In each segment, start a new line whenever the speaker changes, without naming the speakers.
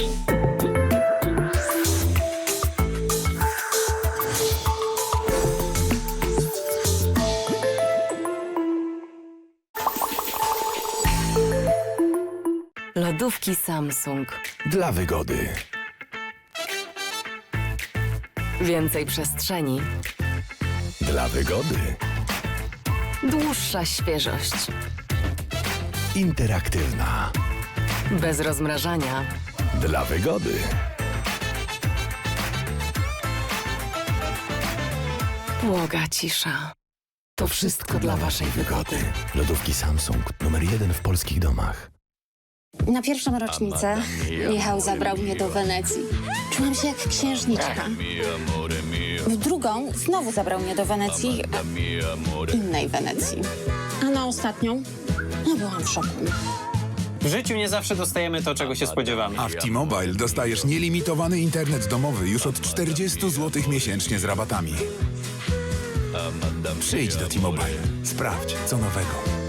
Lodówki Samsung.
Dla wygody.
Więcej przestrzeni.
Dla wygody.
Dłuższa świeżość.
Interaktywna.
Bez rozmrażania.
Dla wygody.
Błoga cisza. To wszystko dla waszej wygody.
Lodówki Samsung. Numer 1 w polskich domach.
Na pierwszą rocznicę Michał zabrał mnie do Wenecji. Czułam się jak księżniczka. W drugą znowu zabrał mnie do Wenecji, innej Wenecji. A na ostatnią, no byłam w szoku.
W życiu nie zawsze dostajemy to, czego się spodziewamy.
A w T-Mobile dostajesz nielimitowany internet domowy już od 40 zł miesięcznie z rabatami. Przyjdź do T-Mobile. Sprawdź, co nowego.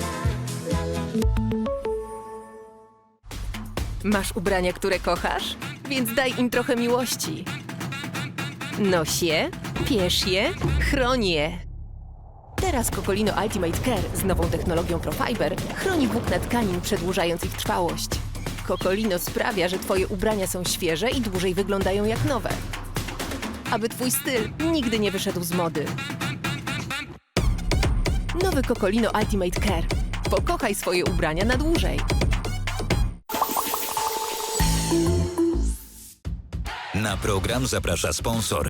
Masz ubrania, które kochasz? Więc daj im trochę miłości. Noś je, piesz je, chroń je. Teraz Cocolino Ultimate Care z nową technologią Profiber chroni włókna tkanin, przedłużając ich trwałość. Cocolino sprawia, że twoje ubrania są świeże i dłużej wyglądają jak nowe. Aby twój styl nigdy nie wyszedł z mody. Nowy Cocolino Ultimate Care. Pokochaj swoje ubrania na dłużej.
Na program zaprasza sponsor